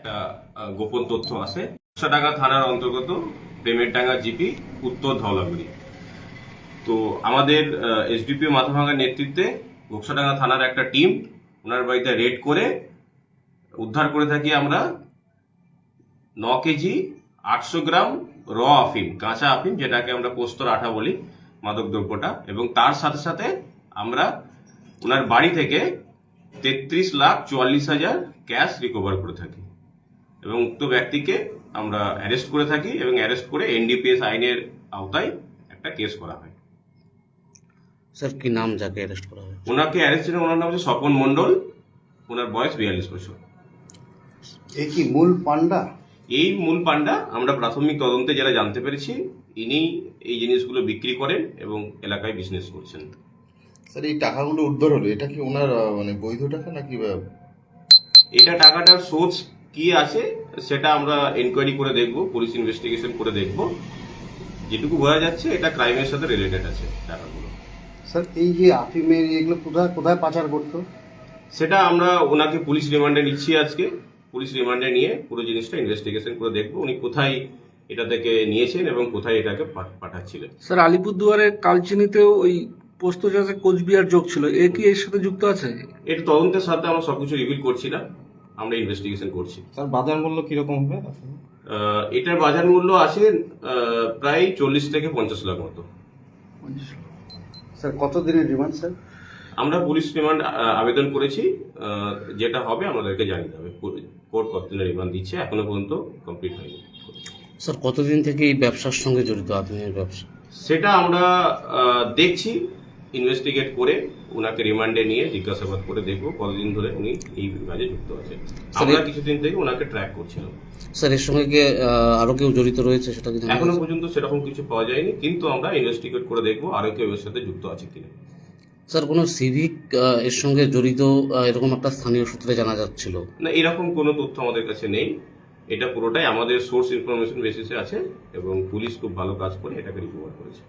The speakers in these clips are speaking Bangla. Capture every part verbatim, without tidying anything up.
একটা আহ, গোপন তথ্য আছে। ঘোকসাডাঙ্গা থানার অন্তর্গত প্রেমেরডাঙ্গা জিপি, উত্তর ধওলাগুড়ি। তো আমাদের এসডিপিও মাথাভাঙ্গার নেতৃত্বে ঘোকসাডাঙ্গা থানার একটা টিম ওনার বাড়িতে রেড করে উদ্ধার করে থাকি আমরা ন কেজি আটশো গ্রাম র আফিম, কাঁচা আফিম, যেটাকে আমরা পোস্তর আঠা বলি, মাদক দ্রব্যটা। এবং তার সাথে সাথে আমরা ওনার বাড়ি থেকে তেত্রিশ লাখ চুয়াল্লিশ হাজার ক্যাশ রিকভার করে থাকি এবং উক্ত ব্যক্তিকে আমরা অ্যারেস্ট করে থাকি এবং অ্যারেস্ট করে এনডিপিএস আইনের আওতায় একটা কেস করা হয়। স্যার কি নাম যাকে অ্যারেস্ট করা হয়? ওনাকে অ্যারেস্ট ছিলেন, ওনার নাম হচ্ছে স্বপন মণ্ডল, ওনার বয়স বিয়াল্লিশ বছর। এই কি মূল পান্ডা? এই মূল পান্ডা। আমরা প্রাথমিক তদন্তে যারা জানতে পেরেছি, ইনি এই জিনিসগুলো বিক্রি করেন এবং এলাকায় বিজনেস করছেন। স্যার এই টাকাগুলো উদ্ধার হলো, এটা কি ওনার আহ, মানে বৈধ টাকা নাকি আহ, এটা টাকাটার সোর্স কি আছে সেটা আমরা এনকোয়ারি করে দেখব, পুলিশ ইনভেস্টিগেশন করে দেখব। যেটুকু বোঝা যাচ্ছে এটা ক্রাইমের সাথে রিলেটেড আছে টাকাগুলো। স্যার এই যে আফিমের এগুলো কোথায় কোথায় পাচার করতো? সেটা আমরা ওনাকে পুলিশ রিমান্ডে নিচ্ছি আজকে। পুলিশ রিমান্ডে নিয়ে পুরো জিনিসটা ইনভেস্টিগেশন করে দেখব উনি কোথায় এটা থেকে নিয়েছেন এবং কোথায় এটাকে পাঠ- পাঠাচ্ছিলেন। স্যার আলিপুরদুয়ারের কালচিনিতেও ওই পোস্ত চাষে কোচবিহার যোগ ছিল, এ কি এর সাথে যুক্ত আছে? এটা তদন্তের সাথে আমরা সবকিছু রিভিল করছি না, আমরা ইনভেস্টিগেশন করছি। স্যার বাজার মূল্য কিরকম হবে? আহ, এটার বাজার মূল্য আছে আহ, প্রায় চল্লিশ থেকে পঞ্চাশ লাখ মতো। স্যার কত দিনের রিমান্ড স্যার? আমরা পুলিশ রিমান্ড আবেদন করেছি, আহ, যেটা হবে আমাদেরকে জানিয়ে দেবে। কোর্ট কতদিনের রিমান্ড দিচ্ছে এখনো পর্যন্ত কমপ্লিট হয়নি। স্যার কতদিন থেকে এই ব্যবসার সঙ্গে জড়িত আফিমের ব্যবসা? সেটা আমরা আহ, দেখছি, ইনভেস্টিগেট করে ওনাকে রিমান্ডে নিয়ে জিজ্ঞাসাবাদ করে দেখবো কতদিন ধরে উনি এই কাজে যুক্ত আছেন। আমরা কিছুদিন থেকে ওনাকে ট্র্যাক করছিলাম। স্যার এর সঙ্গে কি আহ, আরো কেউ জড়িত রয়েছে সেটা কি জানা এখনো গেছে? পর্যন্ত সেরকম কিছু পাওয়া যায়নি, কিন্তু আমরা ইনভেস্টিগেট করে দেখবো আরো কেউ এর সাথে যুক্ত আছে কিনা। স্যার কোনো সিভিক এর সঙ্গে জড়িত আহ, এরকম একটা স্থানীয় সূত্রে জানা যাচ্ছিল। না, এরকম কোনো তথ্য আমাদের কাছে নেই। এটা পুরোটাই আমাদের সোর্স ইনফরমেশন বেসিসে আছে এবং পুলিশ খুব ভালো কাজ করে এটাকে রিকভার করেছে।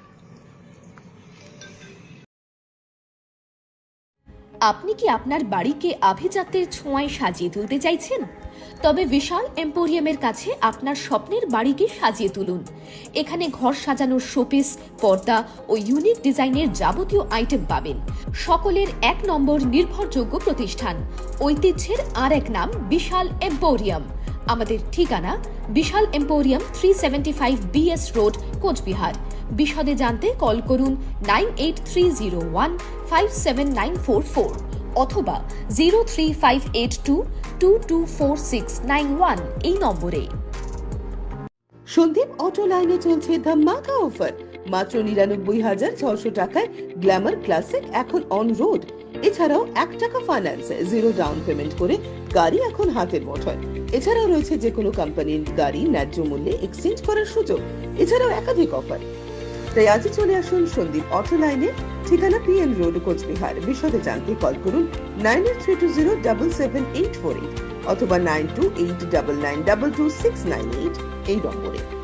আপনি কি আপনার বাড়িকে আভিজাত্যের ছোঁয়ায় সাজিয়ে তুলতে চাইছেন? তবে বিশাল এম্পোরিয়ামের কাছে আপনার স্বপ্নের বাড়িকে সাজিয়ে তুলুন। এখানে ঘর সাজানোর শোপিস, পর্দা ও ইউনিক ডিজাইনের যাবতীয় আইটেম পাবেন। সকলের এক নম্বর নির্ভরযোগ্য প্রতিষ্ঠান, ঐতিহ্যের আর এক নাম বিশাল এম্পোরিয়াম। আমাদের ঠিকানা বিশাল emporium three seventy five BS road, Cooch Behar. বিশদে জানতে কল করুন nine eight three zero one five seven nine four four অথবা zero three five eight two two two four six nine one এই নম্বরে। সন্দীপ অটো লাইনে চলছে ধামাকা অফার। মাত্র নিরানব্বই হাজার ছশো টাকায় গ্ল্যামার ক্লাসিক এখন অন রোড। এছাড়াও এক টাকা ফাইন্যান্স, জিরো ডাউন পেমেন্ট করে গাড়ি এখন হাতের মুঠোয়। এছাড়াও রয়েছে যে কোনো কোম্পানির গাড়ি ন্যায্য মূল্যে এক্সচেঞ্জ করার সুযোগ। এছাড়াও একাধিক অফার। তাই আজই চলে আসুন সন্দীপ অটো লাইনে, ঠিকানা পিএম রোড, কোচবিহার। বিশদে জানতে কল করুন nine eight three two zero double seven eight four eight অথবা nine two eight double nine double two six nine eight এই নম্বরে।